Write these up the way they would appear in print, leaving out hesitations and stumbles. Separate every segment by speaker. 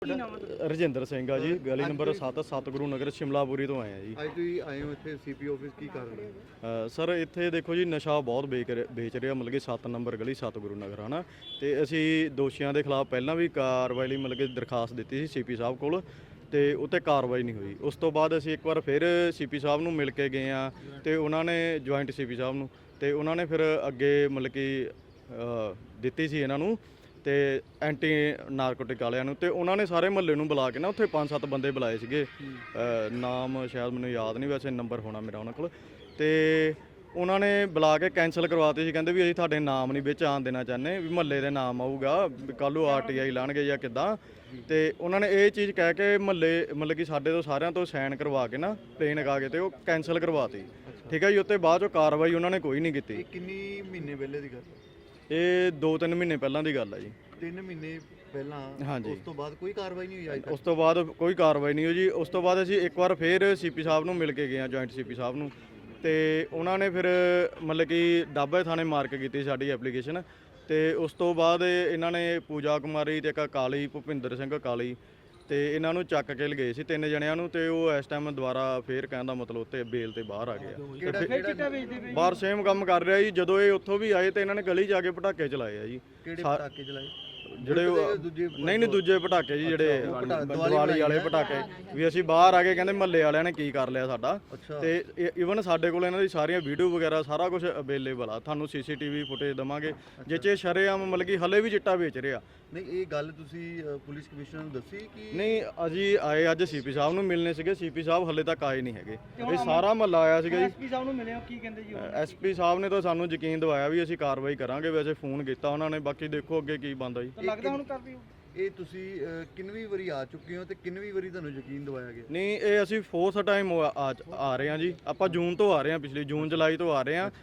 Speaker 1: ਕੀ ਨਾਮ ਹੈ ਤੁਹਾਡਾ?
Speaker 2: ਰਜਿੰਦਰ ਸਿੰਘ ਆ ਜੀ, ਗਲੀ ਨੰਬਰ 7 ਸਤਿਗੁਰੂ ਨਗਰ ਸ਼ਿਮਲਾਪੁਰੀ ਤੋਂ ਆਏ ਆ ਜੀ।
Speaker 3: ਅੱਜ ਤੁਸੀਂ ਆਏ ਹੋ ਇੱਥੇ ਸੀਪੀ ਆਫਿਸ ਕੀ ਕਰ ਰਹੇ ਹੋ?
Speaker 2: ਸਰ ਇੱਥੇ ਦੇਖੋ ਜੀ, ਨਸ਼ਾ ਬਹੁਤ ਵੇਚ ਰਿਹਾ, ਮਤਲਬ ਕਿ 7 ਨੰਬਰ ਗਲੀ ਸਤਿਗੁਰੂ ਨਗਰ ਹਨਾ। ਤੇ ਅਸੀਂ ਦੋਸ਼ੀਆਂ ਦੇ ਖਿਲਾਫ ਪਹਿਲਾਂ ਵੀ ਕਾਰਵਾਈ ਲਈ ਮਤਲਬ ਕਿ ਦਰਖਾਸਤ ਦਿੱਤੀ ਸੀ ਸੀਪੀ ਸਾਹਿਬ ਕੋਲ, ਤੇ ਉੱਤੇ ਕਾਰਵਾਈ ਨਹੀਂ ਹੋਈ। ਉਸ ਤੋਂ ਬਾਅਦ ਅਸੀਂ ਇੱਕ ਵਾਰ ਫਿਰ ਸੀਪੀ ਸਾਹਿਬ ਨੂੰ ਮਿਲ ਕੇ ਗਏ ਆ, ਤੇ ਉਹਨਾਂ ਨੇ ਜੁਆਇੰਟ ਸੀਪੀ ਸਾਹਿਬ ਨੂੰ, ਤੇ ਉਹਨਾਂ ਨੇ ਫਿਰ ਅੱਗੇ ਮਤਲਬ ਕਿ ਦਿੱਤੀ ਸੀ ਇਹਨਾਂ ਨੂੰ ਤੇ ਐਂਟੀ ਨਾਰਕੋਟਿਕ ਵਾਲਿਆਂ ਨੂੰ, ਤੇ ਉਹਨਾਂ ਨੇ ਸਾਰੇ ਮਹੱਲੇ ਨੂੰ ਬੁਲਾ ਕੇ ਨਾ ਉੱਥੇ 5-7 ਬੰਦੇ ਬੁਲਾਏ ਸੀਗੇ। ਨਾਮ ਸ਼ਾਇਦ ਮੈਨੂੰ ਯਾਦ ਨਹੀਂ, ਵੈਸੇ ਨੰਬਰ ਹੋਣਾ ਮੇਰਾ ਉਹਨਾਂ ਕੋਲ। ਤੇ ਉਹਨਾਂ ਨੇ ਬੁਲਾ ਕੇ ਕੈਂਸਲ ਕਰਵਾਤੇ ਸੀ, ਕਹਿੰਦੇ ਵੀ ਅਸੀਂ ਤੁਹਾਡੇ ਨਾਮ ਨਹੀਂ ਵਿੱਚ ਆਉਣ ਦੇਣਾ ਚਾਹੁੰਦੇ, ਵੀ ਮਹੱਲੇ ਦੇ ਨਾਮ ਆਊਗਾ, ਕੱਲ੍ਹ ਨੂੰ RTI ਲਾਣਗੇ ਜਾਂ ਕਿੱਦਾਂ। ਤੇ ਉਹਨਾਂ ਨੇ ਇਹ ਚੀਜ਼ ਕਹਿ ਕੇ ਮਹੱਲੇ ਮਤਲਬ ਕਿ ਸਾਡੇ ਤੋਂ ਸਾਰਿਆਂ ਤੋਂ ਸਾਈਨ ਕਰਵਾ ਕੇ ਨਾ ਪਲੇਨ ਲਗਾ ਕੇ ਤੇ ਉਹ ਕੈਂਸਲ ਕਰਵਾਤੀ। ਠੀਕ ਹੈ ਜੀ। ਉੱਤੇ ਬਾਅਦ ਚੋਂ ਕਾਰਵਾਈ ਉਹਨਾਂ ਨੇ ਕੋਈ ਨਹੀਂ ਕੀਤੀ।
Speaker 3: ਇਹ ਕਿੰਨੀ ਮਹੀਨੇ ਪਹਿਲੇ ਦੀ ਗੱਲ?
Speaker 2: ਇਹ 2-3 ਮਹੀਨੇ ਪਹਿਲਾਂ ਦੀ ਗੱਲ ਹੈ ਜੀ।
Speaker 3: 3 ਮਹੀਨੇ ਪਹਿਲਾਂ?
Speaker 2: ਹਾਂਜੀ।
Speaker 3: ਉਸ ਤੋਂ ਬਾਅਦ ਕੋਈ ਕਾਰਵਾਈ ਨਹੀਂ ਹੋਈ ਅੱਜ ਤੱਕ?
Speaker 2: ਉਸ ਤੋਂ ਬਾਅਦ ਕੋਈ ਕਾਰਵਾਈ ਨਹੀਂ ਹੋਈ ਜੀ। ਉਸ ਤੋਂ ਬਾਅਦ ਅਸੀਂ ਇੱਕ ਵਾਰ ਫਿਰ ਸੀਪੀ ਸਾਹਿਬ ਨੂੰ ਮਿਲ ਕੇ ਗਏ ਹਾਂ, ਜੁਆਇੰਟ ਸੀਪੀ ਸਾਹਿਬ ਨੂੰ, ਤੇ ਉਹਨਾਂ ਨੇ ਫਿਰ ਮਤਲਬ ਕਿ ਡਾਬੇ ਥਾਣੇ ਮਾਰਕ ਕੀਤੀ ਸਾਡੀ ਐਪਲੀਕੇਸ਼ਨ। ਤੇ ਉਸ ਤੋਂ ਬਾਅਦ ਇਹਨਾਂ ਨੇ ਪੂਜਾ ਕੁਮਾਰੀ ਤੇ ਇੱਕ ਕਾਲੀ, ਭੁਪਿੰਦਰ ਸਿੰਘ ਕਾਲੀ, ਤੇ ਇਹਨਾਂ ਨੂੰ ਚੱਕ ਕੇ ਲਗਏ ਸੀ 3 ਜਣਿਆਂ ਨੂੰ, ਤੇ ਉਹ ਇਸ ਟਾਈਮ ਦੁਬਾਰਾ ਫੇਰ ਕਹਿਣ ਦਾ ਮਤਲਬ ਉੱਤੇ ਬੇਲ ਤੇ ਬਾਹਰ ਆ ਗਏ ਆ।
Speaker 1: ਚਿੱਟਾ ਵੇਚਦੇ ਪਏ?
Speaker 2: ਬਾਹਰ ਸੇਮ ਕੰਮ ਕਰ ਰਿਹਾ ਜੀ। ਜਦੋਂ ਇਹ ਉੱਥੋਂ ਵੀ ਆਏ ਤੇ ਇਹਨਾਂ ਨੇ ਗਲੀ ਜਾ ਕੇ ਪਟਾਕੇ ਚਲਾਏ ਆ ਜੀ।
Speaker 3: ਕਿਹੜੇ ਪਟਾਕੇ ਚਲਾਏ?
Speaker 2: ਜਿਹੜੇ
Speaker 3: ਦੂਜੇ
Speaker 2: ਨਹੀਂ ਦੂਜੇ ਪਟਾਕੇ ਜੀ, ਜਿਹੜੇ ਦੀਵਾਲੀ ਵਾਲੇ ਪਟਾਕੇ। ਵੀ ਅਸੀਂ ਬਾਹਰ ਆ ਕੇ ਕਹਿੰਦੇ ਮਹੱਲੇ ਵਾਲਿਆਂ ਨੇ ਕੀ ਕਰ ਲਿਆ ਸਾਡਾ। ਤੇ ਈਵਨ ਸਾਡੇ ਕੋਲ ਇਹਨਾਂ ਦੀ ਸਾਰੀਆਂ ਵੀਡੀਓ ਵਗੈਰਾ ਸਾਰਾ ਕੁਝ ਅਵੇਲੇਬਲ ਆ, ਤੁਹਾਨੂੰ CCTV ਫੁਟੇਜ ਦਵਾਂਗੇ ਜਿੱਚੇ ਸ਼ਰੇਆਮ ਮਤਲਬ ਕਿ ਹਲੇ ਵੀ ਚਿੱਟਾ ਵੇਚ ਰਿਹਾ।
Speaker 3: ਨਹੀਂ, ਇਹ ਗੱਲ ਤੁਸੀਂ ਪੁਲਿਸ ਕਮਿਸ਼ਨਰ ਨੂੰ ਦੱਸੀ ਕਿ
Speaker 2: ਨਹੀਂ, ਅਸੀਂ ਆਏ ਅੱਜ ਸੀਪੀ ਸਾਹਿਬ ਨੂੰ ਮਿਲਣੇ ਸੀਗੇ, ਸੀਪੀ ਸਾਹਿਬ ਹਲੇ ਤੱਕ ਆਏ ਨਹੀਂ ਹੈਗੇ। ਇਹ ਸਾਰਾ ਮਹੱਲਾ ਆਇਆ ਸੀਗਾ ਜੀ।
Speaker 1: ਐਸਪੀ ਸਾਹਿਬ ਨੂੰ ਮਿਲੇ ਹੋ, ਕੀ ਕਹਿੰਦੇ ਜੀ?
Speaker 2: SP ਸਾਹਿਬ ਨੇ ਤਾਂ ਸਾਨੂੰ ਯਕੀਨ ਦਿਵਾਇਆ ਵੀ ਅਸੀਂ ਕਾਰਵਾਈ ਕਰਾਂਗੇ, ਵੈਸੇ ਫੋਨ ਕੀਤਾ ਉਹਨਾਂ ਨੇ, ਬਾਕੀ ਦੇਖੋ ਅੱਗੇ ਕੀ ਬਣਦਾ ਜੀ।
Speaker 1: ਲੱਗਦਾ ਹੁਣ ਕਰਦੀ ਹੋ?
Speaker 3: ਇਹ ਤੁਸੀਂ ਕਿੰਨਵੀਂ ਵਾਰੀ ਆ ਚੁੱਕੇ ਹੋ ਤੇ ਕਿੰਨਵੀਂ ਵਾਰੀ ਤੁਹਾਨੂੰ ਯਕੀਨ ਦਿਵਾਇਆ ਗਿਆ?
Speaker 2: ਨਹੀਂ, ਇਹ ਅਸੀਂ 4th ਟਾਈਮ ਆ ਰਹੇ ਹਾਂ ਜੀ। ਆਪਾਂ ਜੂਨ ਤੋਂ ਆ ਰਹੇ ਹਾਂ, ਪਿਛਲੀ ਜੂਨ ਜੁਲਾਈ ਤੋਂ ਆ ਰਹੇ ਹਾਂ।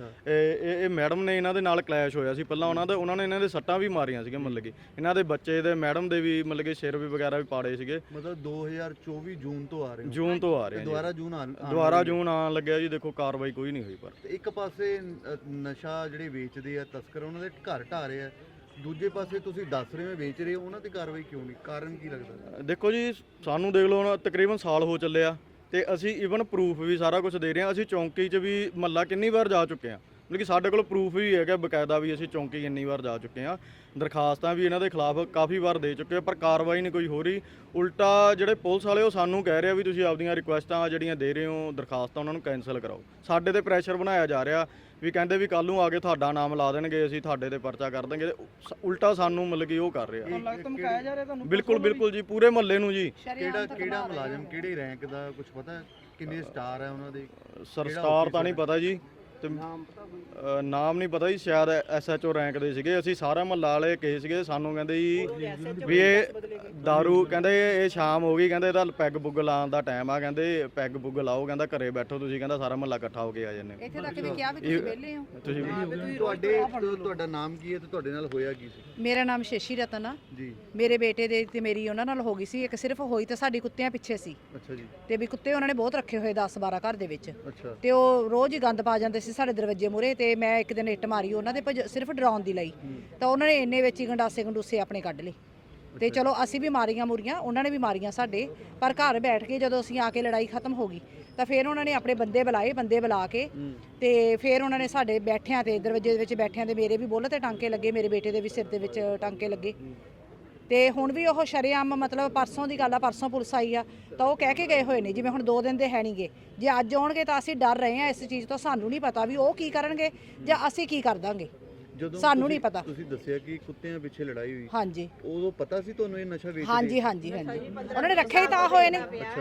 Speaker 2: ਇਹ ਮੈਡਮ ਨੇ, ਇਹਨਾਂ ਦੇ ਨਾਲ ਕਲੈਸ਼ ਹੋਇਆ ਸੀ ਪਹਿਲਾਂ ਉਹਨਾਂ ਨੇ ਇਹਨਾਂ ਦੇ ਸੱਟਾਂ ਵੀ ਮਾਰੀਆਂ ਸੀਗੀਆਂ, ਮਤਲਬ ਕਿ ਇਹਨਾਂ ਦੇ ਬੱਚੇ ਦੇ ਮੈਡਮ ਦੇ ਵੀ ਮਤਲਬ ਕਿ ਸਿਰ ਵੀ ਵਗੈਰਾ ਵੀ ਪਾੜੇ ਸੀਗੇ।
Speaker 3: ਮਤਲਬ 2024 ਜੂਨ ਤੋਂ ਆ ਰਹੇ ਹੋ?
Speaker 2: ਜੂਨ ਤੋਂ ਆ ਰਹੇ ਹਾਂ ਜੀ। ਦੁਬਾਰਾ ਜੂਨ ਆਉਣ ਲੱਗਿਆ ਜੀ। ਦੇਖੋ ਕਾਰਵਾਈ ਕੋਈ ਨਹੀਂ ਹੋਈ। ਪਰ
Speaker 3: ਤੇ ਇੱਕ ਪਾਸੇ ਨਸ਼ਾ ਜਿਹੜੇ ਵੇਚਦੇ ਆ ਤਸਕਰ, ਉਹਨਾਂ ਦੇ ਘਰ ਢਾ ਰਹੇ ਆ, ਦੂਜੇ ਪਾਸੇ ਤੁਸੀਂ ਦੱਸ ਰਹੇ ਹੋ ਵੇਚ ਰਹੇ ਹੋ, ਉਹਨਾਂ ਤੇ ਕਾਰਵਾਈ ਕਿਉਂ ਨਹੀਂ? ਕਾਰਨ ਕੀ ਲੱਗਦਾ?
Speaker 2: ਦੇਖੋ ਜੀ, ਸਾਨੂੰ ਦੇਖ ਲਓ ਹੁਣ ਤਕਰੀਬਨ ਸਾਲ ਹੋ ਚੱਲਿਆ, ਤੇ ਅਸੀਂ ਈਵਨ ਪ੍ਰੂਫ ਵੀ ਸਾਰਾ ਕੁਝ ਦੇ ਰਹੇ ਹਾਂ। ਅਸੀਂ ਚੌਂਕੀ 'ਚ ਵੀ ਮਹੱਲਾ ਕਿੰਨੀ ਵਾਰ ਜਾ ਚੁੱਕੇ ਹਾਂ, ਮਤਲਬ ਕਿ ਸਾਡੇ ਕੋਲ ਪ੍ਰੂਫ ਵੀ ਹੈਗਾ ਬਕਾਇਦਾ, ਵੀ ਅਸੀਂ ਚੌਂਕੀ ਇੰਨੀ ਵਾਰ ਜਾ ਚੁੱਕੇ ਹਾਂ। ਦਰਖਾਸਤਾਂ ਵੀ ਇਹਨਾਂ ਦੇ ਖਿਲਾਫ ਕਾਫੀ ਵਾਰ ਦੇ ਚੁੱਕੇ, ਪਰ ਕਾਰਵਾਈ ਨਹੀਂ ਕੋਈ ਹੋ ਰਹੀ। ਉਲਟਾ ਜਿਹੜੇ ਪੁਲਿਸ ਵਾਲੇ ਉਹ ਸਾਨੂੰ ਕਹਿ ਰਹੇ ਆ ਵੀ ਤੁਸੀਂ ਆਪਦੀਆਂ ਰਿਕੁਐਸਟਾਂ ਜਿਹੜੀਆਂ ਦੇ ਰਹੇ ਹੋ, ਦਰਖਾਸਤਾਂ, ਉਹਨਾਂ ਨੂੰ ਕੈਂਸਲ ਕਰਾਓ। ਸਾਡੇ ਤੇ ਪ੍ਰੈਸ਼ਰ ਬਣਾਇਆ ਜਾ ਰਿਹਾ, ਵੀ ਕਹਿੰਦੇ ਵੀ ਕੱਲ ਨੂੰ ਆ ਕੇ ਤੁਹਾਡਾ ਨਾਮ ਲਾ ਦੇਣਗੇ, ਅਸੀਂ ਤੁਹਾਡੇ ਤੇ ਪਰਚਾ ਕਰ ਦਾਂਗੇ। ਉਲਟਾ ਸਾਨੂੰ ਮਤਲਬ ਕਿ ਉਹ ਕਰ ਰਿਹਾ।
Speaker 1: ਤੁਹਾਨੂੰ ਲੱਗਦਾ ਧਮਕਾਇਆ ਜਾ ਰਿਹਾ ਤੁਹਾਨੂੰ?
Speaker 2: ਬਿਲਕੁਲ ਜੀ, ਪੂਰੇ ਮਹੱਲੇ ਨੂੰ ਜੀ।
Speaker 3: ਕਿਹੜਾ ਮੁਲਾਜ਼ਮ, ਕਿਹੜੇ ਰੈਂਕ ਦਾ ਕੁਝ ਪਤਾ? ਕਿੰਨੇ ਸਟਾਰ ਹੈ ਉਹਨਾਂ ਦੇ?
Speaker 2: ਸਰਸਟਾਰ ਤਾਂ ਨਹੀਂ ਪਤਾ ਜੀ, ਤੇ ਨਾਮ ਨਹੀਂ ਪਤਾ ਜੀ। ਸ਼ਾਇਦ SHO ਰੈਂਕ ਦੇ ਸੀਗੇ। ਅਸੀਂ ਸਾਰਾ ਮਹੱਲਾ ਵਾਲੇ ਕਹੇ ਸੀਗੇ, ਸਾਨੂੰ ਕਹਿੰਦੇ ਜੀ ਵੀ ਇਹ ਦਾਰੂ, ਕਹਿੰਦੇ ਇਹ ਸ਼ਾਮ ਹੋ ਗਈ, ਕਹਿੰਦੇ ਇਹਦਾ ਪੈਗ ਪੁੱਗ ਲਾਉਣ ਦਾ ਟਾਈਮ ਆ, ਕਹਿੰਦੇ ਪੈਗ ਪੁੱਗ ਲਾਓ, ਕਹਿੰਦਾ ਘਰੇ ਬੈਠੋ ਤੁਸੀਂ, ਕਹਿੰਦਾ ਸਾਰਾ ਮਹੱਲਾ ਇਕੱਠਾ ਹੋ ਕੇ ਆ ਜਾਂਦੇ।
Speaker 4: ਇੱਥੇ ਤੱਕ ਵੀ ਕਿਹਾ ਵੀ ਤੁਸੀਂ ਵਿਹਲੇ ਹੋ।
Speaker 2: ਤੁਸੀਂ
Speaker 3: ਤੁਹਾਡਾ ਨਾਮ ਕੀ ਹੈ ਤੇ ਤੁਹਾਡੇ ਨਾਲ ਹੋਇਆ ਕੀ ਸੀ?
Speaker 4: ਮੇਰਾ ਨਾਮ ਸ਼ਸ਼ੀ ਰਤਨ ਆ
Speaker 3: ਜੀ।
Speaker 4: ਮੇਰੇ ਬੇਟੇ ਦੇ ਤੇ ਮੇਰੀ ਉਹਨਾਂ ਨਾਲ ਹੋ ਗਈ ਸੀ। ਇੱਕ ਸਿਰਫ ਹੋਈ ਤਾਂ ਸਾਡੀ ਕੁੱਤਿਆਂ ਪਿੱਛੇ ਸੀ।
Speaker 3: ਅੱਛਾ ਜੀ।
Speaker 4: ਤੇ ਵੀ ਕੁੱਤੇ ਉਹਨਾਂ ਨੇ ਬਹੁਤ ਰੱਖੇ ਹੋਏ 10-12 ਘਰ ਦੇ ਵਿੱਚ,
Speaker 3: ਅੱਛਾ।
Speaker 4: ਤੇ ਉਹ ਰੋਜ਼ ਹੀ ਗੰਦ ਪਾ ਜਾਂਦੇ ਸੀ ਸਾਡੇ ਦਰਵਾਜ਼ੇ ਮੂਹਰੇ। ਤੇ ਮੈਂ ਇੱਕ ਦਿਨ ਇੱਟ ਮਾਰੀ ਉਹਨਾਂ ਦੇ, ਸਿਰਫ ਡਰਾਉਣ ਦੀ ਲਈ, ਤਾਂ ਉਹਨਾਂ ਨੇ ਇੰਨੇ ਵਿੱਚ ਹੀ ਗੰਡਾਸੇ ਆਪਣੇ ਕੱਢ ਲਏ। ਤੇ ਚਲੋ ਅਸੀਂ ਵੀ ਮਾਰੀਆਂ ਮੁਰੀਆਂ, ਉਹਨਾਂ ਨੇ ਵੀ ਮਾਰੀਆਂ ਸਾਡੇ, ਪਰ ਘਰ ਬੈਠ ਕੇ ਜਦੋਂ ਅਸੀਂ ਆ ਕੇ ਲੜਾਈ ਖਤਮ ਹੋ ਗਈ ਤਾਂ ਫਿਰ ਉਹਨਾਂ ਨੇ ਆਪਣੇ ਬੰਦੇ ਬੁਲਾ ਕੇ, ਤੇ ਫਿਰ ਉਹਨਾਂ ਨੇ ਸਾਡੇ ਬੈਠਿਆਂ ਤੇ, ਦਰਵਾਜ਼ੇ ਦੇ ਵਿੱਚ ਬੈਠਿਆਂ ਦੇ ਮੇਰੇ ਵੀ ਬੁੱਲ ਤੇ ਟਾਂਕੇ ਲੱਗੇ, ਮੇਰੇ ਬੇਟੇ ਦੇ ਵੀ ਸਿਰ ਦੇ ਵਿੱਚ ਟਾਂਕੇ ਲੱਗੇ। ਤੇ ਹੁਣ ਵੀ ਉਹ ਸ਼ਰੇਆਮ, ਮਤਲਬ ਪਰਸੋਂ ਦੀ ਗੱਲ ਆ, ਪਰਸੋਂ ਪੁਲਿਸ ਆਈ ਆ ਤਾਂ ਉਹ ਕਹਿ ਕੇ ਗਏ ਹੋਏ ਨੇ ਜਿਵੇਂ ਹੁਣ 2 ਦਿਨ ਦੇ ਹੈ ਨਹੀਂਗੇ। ਜੇ ਅੱਜ ਆਉਣਗੇ ਤਾਂ ਅਸੀਂ ਡਰ ਰਹੇ ਹਾਂ ਇਸ ਚੀਜ਼ ਤੋਂ। ਸਾਨੂੰ ਨਹੀਂ ਪਤਾ ਵੀ ਉਹ ਕੀ ਕਰਨਗੇ ਜਾਂ ਅਸੀਂ ਕੀ ਕਰ ਦਾਂਗੇ, ਸਾਨੂੰ ਨਹੀਂ ਪਤਾ।
Speaker 3: ਤੁਸੀਂ ਦੱਸਿਆ ਕਿ ਕੁੱਤਿਆਂ ਪਿੱਛੇ ਲੜਾਈ ਹੋਈ।
Speaker 4: ਹਾਂਜੀ।
Speaker 3: ਉਦੋਂ ਪਤਾ ਸੀ ਤੁਹਾਨੂੰ ਇਹ ਨਸ਼ਾ ਵੇਚਦੇ?
Speaker 4: ਹਾਂਜੀ। ਉਹਨਾਂ ਨੇ ਰੱਖੇ ਹੀ ਤਾਂ ਹੋਏ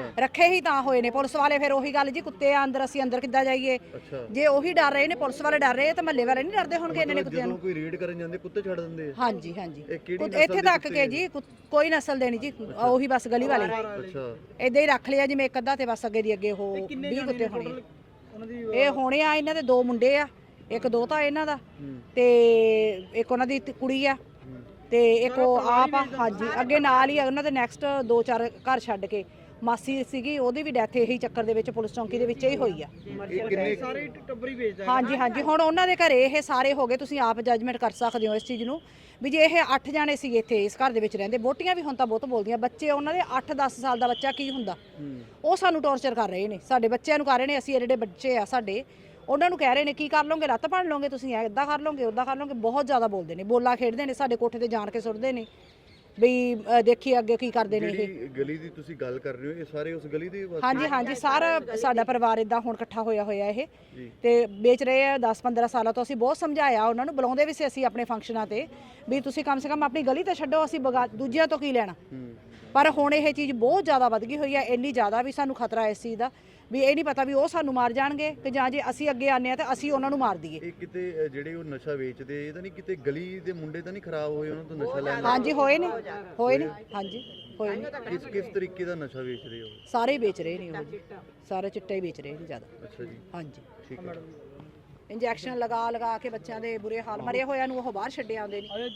Speaker 4: ਨੇ, ਪੁਲਿਸ ਵਾਲੇ। ਫਿਰ ਉਹੀ ਗੱਲ ਜੀ, ਕੁੱਤੇ ਆ ਅੰਦਰ, ਅਸੀਂ ਅੰਦਰ ਕਿੱਦਾਂ ਜਾਈਏ? ਜੇ ਉਹੀ ਡਰ ਰਹੇ ਨੇ, ਪੁਲਿਸ ਵਾਲੇ ਡਰ ਰਹੇ, ਤਾਂ ਮਹੱਲੇ ਵਾਲੇ ਨਹੀਂ ਡਰਦੇ ਹੋਣਗੇ ਇਹਨਾਂ ਨੇ ਕੁੱਤਿਆਂ ਨੂੰ?
Speaker 3: ਕੋਈ ਰੇਡ ਕਰਨ ਜਾਂਦੇ ਕੁੱਤੇ ਛੱਡ ਦਿੰਦੇ ਆ?
Speaker 4: ਹਾਂਜੀ। ਇੱਥੇ ਤੱਕ ਕਿ ਜੀ ਕੋਈ ਨਸਲ ਦੇ ਨਹੀਂ ਜੀ, ਉਹੀ ਬਸ ਗਲੀ ਵਾਲੇ।
Speaker 3: ਅੱਛਾ।
Speaker 4: ਇਦਾਂ ਹੀ ਰੱਖ ਲਿਆ ਜਿਵੇਂ ਇੱਕ ਅੱਧਾ, ਤੇ ਬਸ ਅੱਗੇ ਦੀ ਅੱਗੇ ਉਹ 20 ਕੁੱਤੇ ਹੋਣੇ। ਇਹ ਹੋਣੇ ਆ, ਇਹਨਾਂ ਦੇ 2 ਮੁੰਡੇ ਆ, ਇੱਕ ਦੋਤਾ ਇਹਨਾਂ ਦਾ, ਤੇ ਇੱਕ ਉਹਨਾਂ ਦੀ ਕੁੜੀ ਆ, ਤੇ ਇੱਕ ਉਹ ਆਪ ਆ। ਹਾਂਜੀ, ਅੱਗੇ ਨਾਲ ਹੀ ਉਹਨਾਂ ਦੇ ਨੈਕਸਟ 2-4 ਘਰ ਛੱਡ ਕੇ ਮਾਸੀ ਸੀਗੀ, ਉਹਦੀ ਵੀ ਡੈਥ ਇਹੀ ਚੱਕਰ ਦੇ ਵਿੱਚ ਪੁਲਿਸ ਚੌਂਕੀ ਦੇ ਵਿੱਚ ਹੀ ਹੋਈ ਆ।
Speaker 3: ਇਹ ਕਿੰਨੇ
Speaker 1: ਸਾਰੇ ਟੱਬਰ ਹੀ ਵੇਚਦਾ ਹੈ।
Speaker 4: ਹਾਂਜੀ ਹਾਂਜੀ, ਹੁਣ ਉਹਨਾਂ ਦੇ ਘਰੇ ਇਹ ਸਾਰੇ ਹੋ ਗਏ, ਤੁਸੀਂ ਆਪ ਜੱਜਮੈਂਟ ਕਰ ਸਕਦੇ ਹੋ ਇਸ ਚੀਜ਼ ਨੂੰ ਵੀ ਜੇ ਇਹ 8 ਜਾਣੇ ਸੀਗੇ ਇੱਥੇ ਇਸ ਘਰ ਦੇ ਵਿੱਚ ਰਹਿੰਦੇ, ਵੋਟੀਆਂ ਵੀ ਹੁਣ ਤਾਂ ਬਹੁਤ ਬੋਲਦੀਆਂ, ਬੱਚੇ ਉਹਨਾਂ ਦੇ 8-10 ਸਾਲ ਦਾ ਬੱਚਾ ਕੀ ਹੁੰਦਾ, ਉਹ ਸਾਨੂੰ ਟੌਰਚਰ ਕਰ ਰਹੇ ਨੇ, ਸਾਡੇ ਬੱਚਿਆਂ ਨੂੰ ਕਰ ਰਹੇ ਨੇ। ਅਸੀਂ ਜਿਹੜੇ ਬੱਚੇ ਆ ਸਾਡੇ, ਉਹਨਾਂ ਨੂੰ ਕਹਿ ਰਹੇ ਨੇ ਕੀ ਕਰ ਲਓਗੇ, ਲੱਤ ਭੰਨ ਲਓਗੇ ਤੁਸੀਂ, ਇੱਦਾਂ ਕਰ ਲਓਗੇ ਉੱਦਾਂ ਕਰ ਲਓਗੇ, ਬਹੁਤ ਜ਼ਿਆਦਾ ਬੋਲਦੇ ਨੇ, ਬੋਲਾ ਖੇਡਦੇ ਨੇ, ਸਾਡੇ ਕੋਠੇ ਤੇ ਜਾਣ ਕੇ ਸੁੱਟਦੇ ਨੇ ਵੀ ਦੇਖੀ ਅੱਗੇ ਕੀ ਕਰਦੇ ਨੇ ਇਹ।
Speaker 3: ਜਿਹੜੀ ਗਲੀ ਦੀ ਤੁਸੀਂ ਗੱਲ ਕਰ ਰਹੇ ਹੋ, ਇਹ ਸਾਰੇ ਉਸ ਗਲੀ ਦੇ ਵਾਸੀ?
Speaker 4: ਹਾਂਜੀ ਹਾਂਜੀ, ਸਾਰਾ ਸਾਡਾ ਪਰਿਵਾਰ ਇਦਾਂ ਹੁਣ ਇਕੱਠਾ ਹੋਇਆ ਇਹ ਤੇ ਵੇਚ ਰਹੇ ਆ 10-15 ਸਾਲਾਂ ਤੋਂ। ਅਸੀਂ ਬਹੁਤ ਸਮਝਾਇਆ ਉਹਨਾਂ ਨੂੰ, ਬੁਲਾਉਂਦੇ ਵੀ ਸੀ ਅਸੀਂ ਆਪਣੇ ਫੰਕਸ਼ਨਾਂ ਤੇ ਵੀ ਤੁਸੀਂ ਕਮ ਸੇ ਕਮ ਆਪਣੀ ਗਲੀ ਤਾਂ ਛੱਡੋ, ਅਸੀਂ ਦੂਜਿਆਂ ਤੋਂ ਕੀ ਲੈਣਾ। ਪਰ ਹੁਣ ਇਹ ਚੀਜ਼ ਬਹੁਤ ਜ਼ਿਆਦਾ ਵੱਧ ਗਈ ਹੋਈ ਹੈ, ਇੰਨੀ ਜ਼ਿਆਦਾ ਵੀ ਸਾਨੂੰ ਖਤਰਾ ਇਸ ਚੀਜ਼ ਦਾ ਵੀ ਇਹ ਨਹੀਂ ਪਤਾ ਵੀ ਉਹ ਸਾਨੂੰ ਮਾਰ ਜਾਣਗੇ ਕਿ ਜਾਂ ਜੇ ਅਸੀਂ ਅੱਗੇ ਆਨੇ ਆ ਤਾਂ ਅਸੀਂ ਉਹਨਾਂ ਨੂੰ ਮਾਰ ਦਈਏ।
Speaker 3: ਇਹ ਕਿਤੇ ਜਿਹੜੇ ਉਹ ਨਸ਼ਾ ਵੇਚਦੇ, ਇਹ ਤਾਂ ਨਹੀਂ ਕਿਤੇ ਗਲੀ ਦੇ ਮੁੰਡੇ ਤਾਂ ਨਹੀਂ ਖਰਾਬ ਹੋਏ ਉਹਨਾਂ ਤੋਂ ਨਸ਼ਾ ਲੈਣ ਨਾਲ?
Speaker 4: ਹਾਂਜੀ ਹੋਏ ਨੇ ਹਾਂਜੀ ਹੋਏ ਨੇ।
Speaker 3: ਕਿਸ ਤਰੀਕੇ ਦਾ ਨਸ਼ਾ ਵੇਚ ਰਹੇ ਹੋ?
Speaker 4: ਸਾਰੇ ਹੀ ਵੇਚ ਰਹੇ ਨੇ ਉਹ, ਸਾਰੇ ਚਿੱਟਾ ਹੀ ਵੇਚ ਰਹੇ ਨੇ ਜ਼ਿਆਦਾ।
Speaker 3: ਅੱਛਾ ਜੀ,
Speaker 4: ਹਾਂਜੀ,
Speaker 3: ਠੀਕ ਹੈ।
Speaker 4: ਇੰਜੈਕਸ਼ਨ ਲਗਾ ਕੇ ਬੱਚਿਆਂ ਦੇ ਬੁਰੇ ਹਾਲ, ਮਰੇ ਹੋਇਆਂ ਨੂੰ ਉਹ ਬਾਹਰ ਛੱਡੇ ਆਉਂਦੇ ਨੇ।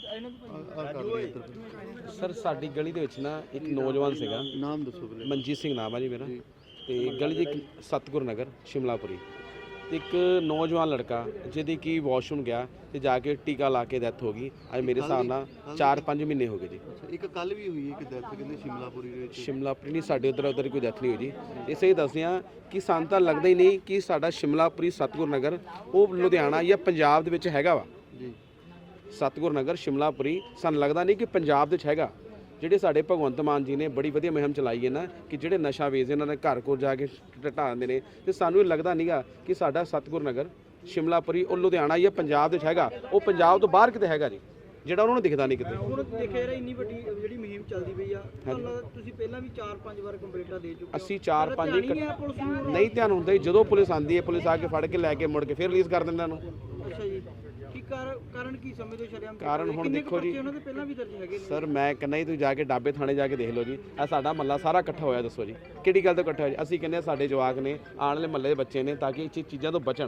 Speaker 5: ਸਰ ਸਾਡੀ ਗਲੀ ਦੇ ਵਿੱਚ ਨਾ ਇੱਕ ਨੌਜਵਾਨ ਸੀਗਾ,
Speaker 3: ਨਾਮ ਦੱਸੋ ਵੀਰੇ।
Speaker 5: ਮਨਜੀਤ ਸਿੰਘ ਨਾਮ ਹੈ ਜੀ ਮੇਰਾ, ਤੇ ਗਲੀ ਦੇ ਇੱਕ ਸਤਗੁਰ ਨਗਰ ਸ਼ਿਮਲਾਪੁਰੀ, ਇੱਕ ਨੌਜਵਾਨ ਲੜਕਾ ਜਿਹਦੀ ਕਿ ਵਾਸ਼ਰੂਮ ਗਿਆ ਤੇ ਜਾ ਕੇ ਟੀਕਾ ਲਾ ਕੇ ਡੈਥ ਹੋ ਗਈ। ਅੱਜ ਮੇਰੇ ਹਿਸਾਬ ਨਾਲ 4-5 ਮਹੀਨੇ ਹੋ ਗਏ ਜੀ।
Speaker 3: ਇੱਕ ਕੱਲ ਵੀ ਹੋਈ ਹੈ ਕਿ ਡੈਥ ਕਹਿੰਦੇ ਸ਼ਿਮਲਾਪੁਰੀ ਦੇ ਵਿੱਚ?
Speaker 5: ਸ਼ਿਮਲਾਪੁਰੀ ਨਹੀਂ, ਸਾਡੇ ਉੱਧਰ ਕੋਈ ਡੈਥ ਨਹੀਂ ਹੋਈ ਜੀ। ਇਸੇ ਹੀ ਦੱਸਦੇ ਹਾਂ ਕਿ ਸਾਨੂੰ ਤਾਂ ਲੱਗਦਾ ਹੀ ਨਹੀਂ ਕਿ ਸਾਡਾ ਸ਼ਿਮਲਾਪੁਰੀ ਸਤਗੁਰ ਨਗਰ ਉਹ ਲੁਧਿਆਣਾ ਜਾਂ ਪੰਜਾਬ ਦੇ ਵਿੱਚ ਹੈਗਾ ਵਾ
Speaker 3: ਜੀ।
Speaker 5: ਸਤਗੁਰ ਨਗਰ ਸ਼ਿਮਲਾਪੁਰੀ ਸਾਨੂੰ ਲੱਗਦਾ ਨਹੀਂ ਕਿ ਪੰਜਾਬ ਦੇ ਵਿੱਚ ਹੈਗਾ। ਜਿਹੜੇ ਸਾਡੇ ਭਗਵੰਤ ਮਾਨ ਜੀ ਨੇ ਬੜੀ ਵਧੀਆ ਮੁਹਿੰਮ ਚਲਾਈ ਹੈ ਨਾ ਕਿ ਜਿਹੜੇ ਨਸ਼ਾ ਵੇਚਦੇ ਇਹਨਾਂ ਦੇ ਘਰ ਕੋਲ ਜਾ ਕੇ ਢਾਹ ਦਿੰਦੇ ਨੇ, ਤੇ ਸਾਨੂੰ ਇਹ ਲੱਗਦਾ ਨਹੀਂਗਾ ਕਿ ਸਾਡਾ ਸਤਗੁਰ ਨਗਰ ਸ਼ਿਮਲਾਪੁਰੀ ਉਹ ਲੁਧਿਆਣਾ ਜਾਂ ਪੰਜਾਬ ਦੇ ਵਿੱਚ ਹੈਗਾ। ਉਹ ਪੰਜਾਬ ਤੋਂ ਬਾਹਰ ਕਿਤੇ ਹੈਗਾ ਜੀ, ਜਿਹੜਾ ਉਹਨਾਂ ਨੂੰ ਦਿਖਦਾ ਨਹੀਂ ਕਿਤੇ।
Speaker 1: ਹੁਣ ਦੇਖਿਆ ਯਾਰ ਇੰਨੀ ਵੱਡੀ ਜਿਹੜੀ ਮੁਹਿੰਮ ਚੱਲਦੀ ਪਈ ਆ, ਤੁਸੀਂ ਪਹਿਲਾਂ ਵੀ 4-5 ਵਾਰ ਕੰਪਲੇਂਟਾਂ ਦੇ ਚੁੱਕੇ ਹੋ।
Speaker 5: ਅਸੀਂ 4-5
Speaker 1: ਪੁਲਿਸ ਨੂੰ
Speaker 5: ਨਹੀਂ ਧਿਆਨ ਹੁੰਦਾ ਜੀ। ਜਦੋਂ ਪੁਲਿਸ ਆਉਂਦੀ ਹੈ, ਪੁਲਿਸ ਆ ਕੇ ਫੜ ਕੇ ਲੈ ਕੇ ਮੁੜ ਕੇ ਫਿਰ ਰਿਲੀਜ਼ ਕਰ ਦਿੰਦਾ ਇਹਨੂੰ।
Speaker 1: ਅੱਛਾ ਜੀ, ਕੀ ਕਾਰਨ ਕੀ ਸਮਝਦੇ ਹੋ ਸ਼ਰਿਆਮ?
Speaker 5: ਕਾਰਨ ਹੁਣ ਦੇਖੋ ਜੀ,
Speaker 1: ਉਹਨਾਂ ਦੇ ਪਹਿਲਾਂ ਵੀ ਦਰਜ ਹੈਗੇ ਨੇ।
Speaker 5: ਸਰ ਮੈਂ ਕਹਿੰਦਾ ਜੀ ਤੁਸੀਂ ਜਾ ਕੇ ਡਾਬੇ ਥਾਣੇ ਜਾ ਕੇ ਦੇਖ ਲਓ ਜੀ, ਇਹ ਸਾਡਾ ਮਹੱਲਾ ਸਾਰਾ ਇਕੱਠਾ ਹੋਇਆ। ਦੱਸੋ ਜੀ ਕਿਹੜੀ ਗੱਲ ਤੋਂ ਇਕੱਠਾ ਹੋਇਆ? ਅਸੀਂ ਕਹਿੰਦੇ ਸਾਡੇ ਜਵਾਕ ਨੇ, ਆਉਣ ਵਾਲੇ ਮਹੱਲੇ ਦੇ ਬੱਚੇ ਨੇ, ਤਾਂ ਕਿ ਇਹ ਚੀਜ਼ਾਂ ਤੋਂ ਬਚਣ।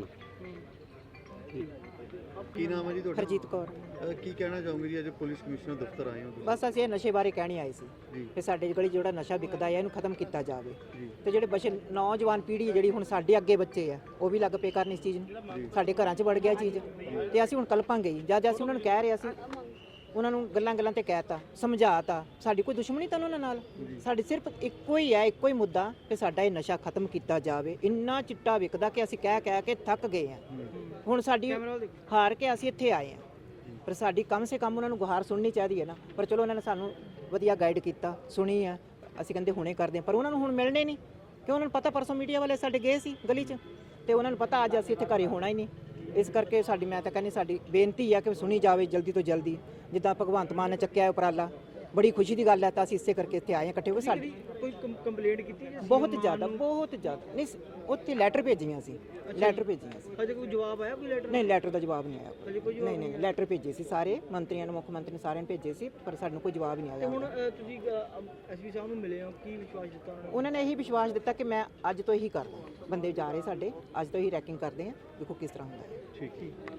Speaker 3: ਕੀ ਨਾਮ ਹੈ ਜੀ ਤੁਹਾਡਾ?
Speaker 6: ਹਰਜੀਤ ਕੌਰ।
Speaker 3: ਕੀ ਕਹਿਣਾ ਚਾਹੋਗੇ ਜੀ, ਅੱਜ ਪੁਲਿਸ ਕਮਿਸ਼ਨਰ ਦਫ਼ਤਰ ਆਏ ਹੋ ਤੁਸੀਂ?
Speaker 6: ਬਸ ਅਸੀਂ ਇਹ ਨਸ਼ੇ ਬਾਰੇ ਕਹਿਣੀ ਆਏ ਸੀ
Speaker 3: ਜੀ।
Speaker 6: ਕਿ ਸਾਡੇ ਗਲੀ 'ਚ ਜਿਹੜਾ ਨਸ਼ਾ ਵਿਕਦਾ ਹੈ ਇਹਨੂੰ ਖਤਮ ਕੀਤਾ ਜਾਵੇ।
Speaker 3: ਜੀ।
Speaker 6: ਤੇ ਜਿਹੜੇ ਬੱਚੇ ਨੌਜਵਾਨ ਪੀੜ੍ਹੀ ਜਿਹੜੀ ਹੁਣ ਸਾਡੇ ਅੱਗੇ ਬੱਚੇ ਆ ਉਹ ਵੀ ਲੱਗ ਪਏ ਕਰਨ ਇਸ ਚੀਜ਼ ਨੂੰ, ਸਾਡੇ ਘਰਾਂ 'ਚ ਵੜ ਗਿਆ ਚੀਜ਼, ਤੇ ਅਸੀਂ ਹੁਣ ਕਲਪਾਂਗੇ ਹੀ। ਜਦ ਅਸੀਂ ਉਹਨਾਂ ਨੂੰ ਕਹਿ ਰਹੇ ਸੀ, ਉਹਨਾਂ ਨੂੰ ਗੱਲਾਂ ਤੇ ਕਹਿਤਾ, ਸਮਝਾਤਾ, ਸਾਡੀ ਕੋਈ ਦੁਸ਼ਮਣੀ ਤਾਂ ਉਹਨਾਂ ਨਾਲ, ਸਾਡੀ ਸਿਰਫ ਇੱਕੋ ਹੀ ਹੈ, ਇੱਕੋ ਹੀ ਮੁੱਦਾ ਕਿ ਸਾਡਾ ਇਹ ਨਸ਼ਾ ਖਤਮ ਕੀਤਾ ਜਾਵੇ। ਇੰਨਾ ਚਿੱਟਾ ਵਿਕਦਾ ਕਿ ਅਸੀਂ ਕਹਿ ਕੇ ਥੱਕ ਗਏ ਆ। ਹੁਣ ਸਾਡੀ ਹਾਰ ਕੇ ਅਸੀਂ ਇੱਥੇ ਆਏ ਆ, ਪਰ ਸਾਡੀ ਕਮ ਸੇ ਕਮ ਉਹਨਾਂ ਨੂੰ ਗੁਹਾਰ ਸੁਣਨੀ ਚਾਹੀਦੀ ਹੈ ਨਾ। ਪਰ ਚਲੋ ਉਹਨਾਂ ਨੇ ਸਾਨੂੰ ਵਧੀਆ ਗਾਈਡ ਕੀਤਾ, ਸੁਣੀ ਆ, ਅਸੀਂ ਕਹਿੰਦੇ ਹੁਣੇ ਕਰਦੇ ਆ, ਪਰ ਉਹਨਾਂ ਨੂੰ ਹੁਣ ਮਿਲਣੇ ਨਹੀਂ ਕਿ ਉਹਨਾਂ ਨੂੰ ਪਤਾ ਪਰਸੋਂ ਮੀਡੀਆ ਵਾਲੇ ਸਾਡੇ ਗਏ ਸੀ ਗਲੀ 'ਚ, ਤੇ ਉਹਨਾਂ ਨੂੰ ਪਤਾ ਅੱਜ ਅਸੀਂ ਇੱਥੇ ਘਰੇ ਹੋਣਾ ਹੀ ਨਹੀਂ। ਇਸ ਕਰਕੇ ਸਾਡੀ, ਮੈਂ ਤਾਂ ਕਹਿੰਦੀ ਸਾਡੀ ਬੇਨਤੀ ਆ ਕਿ ਸੁਣੀ ਜਾਵੇ ਜਲਦੀ ਤੋਂ ਜਲਦੀ। ਜਿੱਦਾਂ ਭਗਵੰਤ ਮਾਨ ਨੇ ਚੱਕਿਆ ਉਪਰਾਲਾ, ਬੜੀ ਖੁਸ਼ੀ ਦੀ ਗੱਲ ਹੈ, ਤਾਂ ਅਸੀਂ ਇਸੇ ਕਰਕੇ ਇੱਥੇ ਆਏ ਹਾਂ ਇਕੱਠੇ ਹੋ ਕੇ। ਸਾਡੀ
Speaker 1: ਕੋਈ ਕੰਪਲੇਂਟ ਕੀਤੀ ਜੀ?
Speaker 6: ਬਹੁਤ ਜ਼ਿਆਦਾ ਨਹੀਂ, ਉੱਥੇ ਲੈਟਰ ਭੇਜੀਆਂ ਸੀ, ਲੈਟਰ ਭੇਜੀਆਂ ਸੀ।
Speaker 1: ਅਜੇ ਕੋਈ ਜਵਾਬ ਆਇਆ ਕੋਈ ਲੈਟਰ?
Speaker 6: ਨਹੀਂ, ਲੈਟਰ ਦਾ ਜਵਾਬ ਨਹੀਂ ਆਇਆ।
Speaker 1: ਅਜੇ ਕੋਈ ਜਵਾਬ
Speaker 6: ਨਹੀਂ, ਲੈਟਰ ਭੇਜੇ ਸੀ ਸਾਰੇ ਮੰਤਰੀਆਂ ਨੂੰ, ਮੁੱਖ ਮੰਤਰੀ ਨੂੰ, ਸਾਰਿਆਂ ਨੂੰ ਭੇਜੇ ਸੀ, ਪਰ ਸਾਨੂੰ ਕੋਈ ਜਵਾਬ ਨਹੀਂ ਆਇਆ।
Speaker 1: ਹੁਣ ਤੁਸੀਂ ਐਸਪੀ ਸਾਹਿਬ ਨੂੰ ਮਿਲੇ ਹੋ, ਕੀ ਵਿਸ਼ਵਾਸ ਦਿੱਤਾ ਉਹਨਾਂ ਨੇ?
Speaker 6: ਉਹਨਾਂ ਨੇ ਇਹੀ ਵਿਸ਼ਵਾਸ ਦਿੱਤਾ ਕਿ ਮੈਂ ਅੱਜ ਤੋਂ ਇਹੀ ਕਰਦਾ, ਬੰਦੇ ਜਾ ਰਹੇ ਸਾਡੇ, ਅੱਜ ਤੋਂ ਹੀ ਰੈਕਿੰਗ ਕਰਦੇ ਆ, ਦੇਖੋ ਕਿਸ ਤਰ੍ਹਾਂ ਹੁੰਦਾ ਹੈ।
Speaker 3: ਠੀਕ।